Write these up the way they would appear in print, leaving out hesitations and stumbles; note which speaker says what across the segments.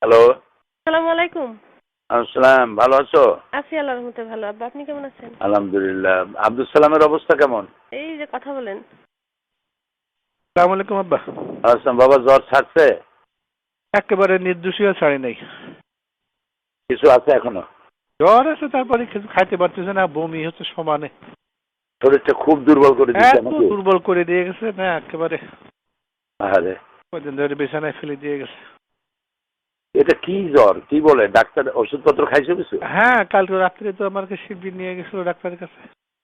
Speaker 1: Hello.
Speaker 2: আসসালামু আলাইকুম।
Speaker 1: আসসালাম, ভালো আছো?
Speaker 2: আছি আল্লাহর রহমতে ভালো। আব্বা আপনি কেমন আছেন?
Speaker 1: আলহামদুলিল্লাহ। আব্দুল সালামের অবস্থা কেমন?
Speaker 2: এই যে কথা বলেন।
Speaker 3: আসসালামু আলাইকুম আব্বা।
Speaker 1: আসসালাম। বাবা জ্বর ছাড়ছে?
Speaker 3: একেবারে নির্দোষীয় ছাড়ি নাই।
Speaker 1: কিছু আছে এখনো?
Speaker 3: জ্বর আছে, তারপরে কিছু খাইতে পারতেছে না, বমি হচ্ছে সমানে।
Speaker 1: শরীরটা খুব দুর্বল করে দিচ্ছে
Speaker 3: এত
Speaker 1: নাকি?
Speaker 3: দুর্বল করে দিয়ে গেছে না একেবারে।
Speaker 1: আরে
Speaker 3: কদিন ধরে বিছানায় ফেলে দিয়ে গেছে।
Speaker 1: এটা কি জ্বর? কি বলে? ডাক্তার ওষুধপত্র খাইছো কিছু?
Speaker 3: হ্যাঁ, কালকে রাত্রে তো আমাকে শিবির নিয়ে গেছিল ডাক্তারের কাছে।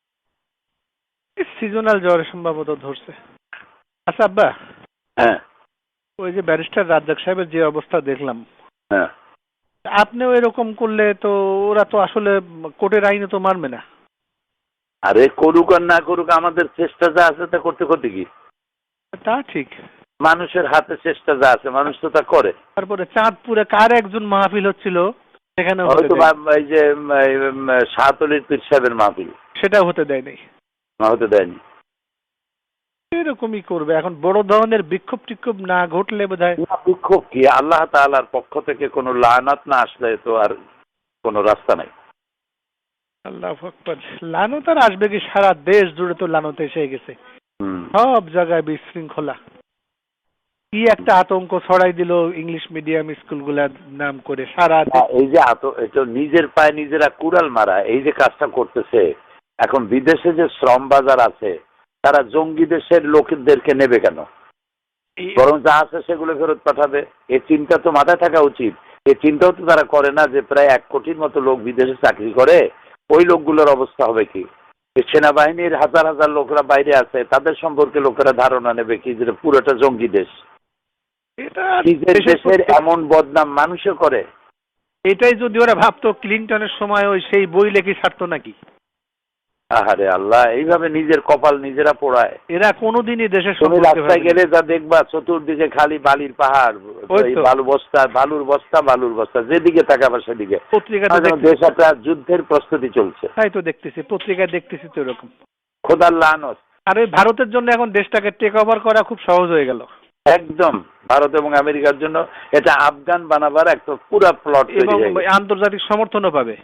Speaker 3: সিজনাল জ্বর সম্ভবত ধরছে। আচ্ছা আব্বা,
Speaker 1: হ্যাঁ
Speaker 3: ওই যে ব্যারিস্টার রাজ্জাক সাহেবের যে অবস্থা দেখলাম,
Speaker 1: হ্যাঁ।
Speaker 3: আপনিও এরকম করলে তো ওরা তো আসলে কোর্টের আইনে তো মানবে না।
Speaker 1: আরে করুক আর না করুক, আমাদের চেষ্টা যা আছে তা করতে করতে কি?
Speaker 3: তা ঠিক।
Speaker 1: মানুষের হাতে চেষ্টা যা আছে মানুষ তো তা করে।
Speaker 3: তারপরে চাঁদপুরে কার একজন মাহফিল হচ্ছিল, সেখানে
Speaker 1: হয়তো এই যে শাহতলির পীর সাহেবের মাহফিল,
Speaker 3: সেটাও হতে দেয় নাই।
Speaker 1: না হতে দেয়নি।
Speaker 3: এরকমই করবে এখন, বড় ধরনের বিক্ষোভ টিক্ষোভ না ঘটলে বোধহয়।
Speaker 1: বিক্ষোভ কি? আল্লাহ তাআলার পক্ষ থেকে কোনো লানাত না আসলে তো আর কোনো রাস্তা নাই।
Speaker 3: আল্লাহু আকবার। লানত আর আসবে কি? সারা দেশ জুড়ে তো লানত এসে গেছে।
Speaker 1: হুম।
Speaker 3: সব জায়গায় বিশৃঙ্খলা। কি একটা আতঙ্ক ছড়াই দিল ইংলিশ মিডিয়াম স্কুলগুলার নাম করে সারা
Speaker 1: এই যে এটা নিজের পায়ে নিজেরা কুড়াল মারা, এই যে কাজটা করতেছে, এখন বিদেশে যে শ্রম বাজার আছে তারা জঙ্গি দেশের লোকদেরকে নেবে কেন? বরং যা আছে সেগুলো ফেরত পাঠাবে। এই চিন্তা তো মাথায় থাকা উচিত। এই চিন্তাও তো তারা করে না যে প্রায় 1 কোটির মতো লোক বিদেশে চাকরি করে, ওই লোকগুলোর অবস্থা হবে কি? সেনাবাহিনীর হাজার হাজার লোকরা বাইরে আছে, তাদের সম্পর্কে লোকেরা ধারণা নেবে কি যে পুরোটা জঙ্গি দেশ।
Speaker 3: এটা
Speaker 1: নিজের দেশের এমন বদনাম মানুষে করে।
Speaker 3: এটাই যদি ওরা ভাবতো ক্লিনটনের সময় ওই সেই বই লেখি ছাড়তো নাকি?
Speaker 1: আহারে আল্লাহ, এইভাবে নিজের কপাল নিজেরা পোড়ায়।
Speaker 3: এরা কোনোদিনই দেশের
Speaker 1: তুমি রাস্তায় গেলে যা দেখবা চতুর্দিকে খালি বালির পাহাড়, বালুর বস্তা, যেদিকে তাকাবা সেদিকে।
Speaker 3: পত্রিকাতে
Speaker 1: দেশ একটা যুদ্ধের প্রস্তুতি চলছে।
Speaker 3: তাই তো দেখতেছি, পত্রিকায় দেখতেছি তো এরকম।
Speaker 1: খোদার লানত।
Speaker 3: আর ওই ভারতের জন্য এখন দেশটাকে টেক ওভার করা খুব সহজ হয়ে গেল।
Speaker 1: একদম ভারত এবং আমেরিকার জন্য এটা আফগান বানাবার একটা পুরো প্লট
Speaker 3: এবং আন্তর্জাতিক সমর্থনও পাবে।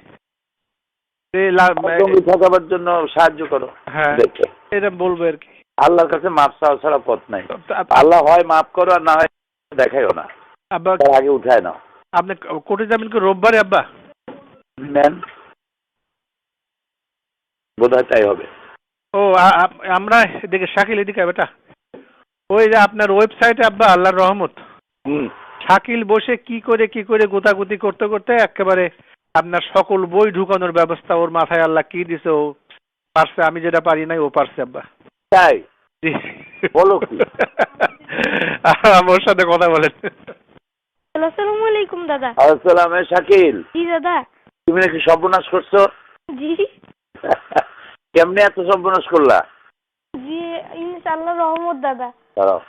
Speaker 1: থাকাবার জন্য সাহায্য করো।
Speaker 3: হ্যাঁ, এটা বলবো আর কি।
Speaker 1: আল্লাহর কাছে মাপ চাওয়া ছাড়া পথ নাই। আল্লাহ হয় মাফ করো আর না হয় দেখাইও না।
Speaker 3: আব্বা
Speaker 1: আগে উঠায় নাও।
Speaker 3: আপনি কোর্টে যাবেন কি রোববারে আব্বা?
Speaker 1: নেন, বোধহয় তাই হবে।
Speaker 3: ও আমরা এদিকে শাকিল এদিকে বেটা, ওই যে আপনার ওয়েবসাইটে আব্বা আল্লাহর রহমত, শাকিল বসে কি করে গোতাগুতি করতে করতে একেবারে আপনার সকল বই ঢুকানোর ব্যবস্থা ওর মাথায় আল্লাহ কি দিছে, ও পারছে। আমি যেটা পারি নাই ও পারছে আব্বা।
Speaker 1: তাই বলো কি?
Speaker 3: ওর সাথে কথা বলেন।
Speaker 2: আসসালামু আলাইকুম দাদা।
Speaker 1: আসসালাম। শাকিল,
Speaker 2: জি দাদা।
Speaker 1: তুমি নাকি সর্বনাশ করছো?
Speaker 2: জি
Speaker 1: কেমনে এত সর্বনাশ করলা?
Speaker 2: জি ইনশাআল্লাহ রহমত দাদা।
Speaker 1: দাঁড়াও।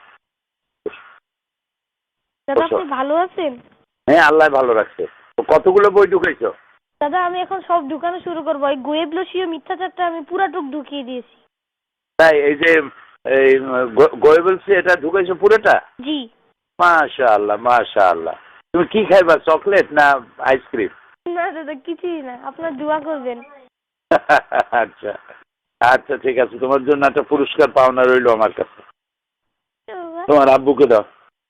Speaker 2: দাদা আপনি ভালো আছেন?
Speaker 1: হ্যাঁ, আল্লাহ ভালো রাখছে। কতগুলো বই ঢুকাইছো?
Speaker 2: দাদা আমি এখন সব ঢুকানো শুরু করবো। এই গোয়েবলসীয় মিথ্যাচারটা আমি পুরাটুক ঢুকিয়ে দিয়েছি।
Speaker 1: তাই? এই যে গোয়েবলসি এটা ঢুকাইছো পুরোটা?
Speaker 2: জি।
Speaker 1: মাশাআল্লাহ মাশাআল্লাহ। তুমি কি খাইবা, চকলেট না আইসক্রিম?
Speaker 2: না দাদা কিছুই না, আপনার দোয়া করবেন।
Speaker 1: আচ্ছা আচ্ছা, ঠিক আছে। তোমার জন্য একটা পুরস্কার পাওনা রইলো আমার কাছে। তোমার আব্বুকে দাও।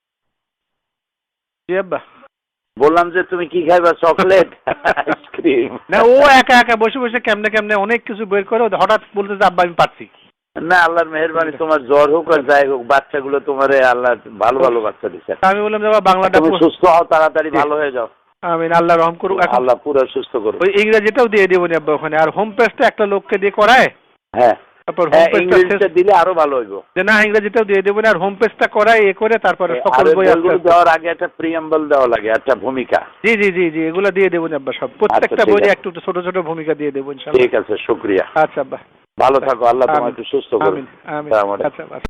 Speaker 3: জি আব্বা।
Speaker 1: বললাম যে তুমি কি খাইবা, চকলেট আইসক্রিম?
Speaker 3: না, ও একা একা বসে বসে কেমনে অনেক কিছু বের করে, হঠাৎ বলতে যে আব্বা আমি পারছি
Speaker 1: না। আল্লাহর মেহেরবানি, তোমার জ্বর হোক আর যাই হোক, বাচ্চাগুলো তোমার আল্লাহ ভালো ভালো বাচ্চা দিচ্ছে।
Speaker 3: আমি বললাম যে বাংলাটা
Speaker 1: তুমি সুস্থ হও, তাড়াতাড়ি ভালো হয়ে যাও।
Speaker 3: আমিন, আল্লাহ রহম করুক।
Speaker 1: আল্লাহ পুরো সুস্থ করুক।
Speaker 3: ওই ইংরেজিটাও দিয়ে দেবো নি আব্বা ওখানে, আর হোম পেজটা একটা লোককে দিয়ে করায়।
Speaker 1: হ্যাঁ,
Speaker 3: তারপর হোম পেজটা
Speaker 1: দিলে আরো ভালো হইব।
Speaker 3: যে না, ইংরেজিটাও দিয়ে দেবো না, আর হোম পেজটা করায় এ করে তারপরে সকল বই
Speaker 1: দেওয়ার আগে একটা প্রিয়াম্বল দেওয়া লাগে, একটা ভূমিকা।
Speaker 3: জি জি জি জি, এগুলো দিয়ে দেবো আব্বা সব, প্রত্যেকটা বইয়ে একটু ছোট ছোট ভূমিকা দিয়ে দেবো ইনশাআল্লাহ।
Speaker 1: ঠিক আছে, শুকরিয়া।
Speaker 3: আচ্ছা আব্বা,
Speaker 1: ভালো থাকো। আল্লাহ তোমাকে সুস্থ করুন।
Speaker 3: আমিন আমিন। আচ্ছা।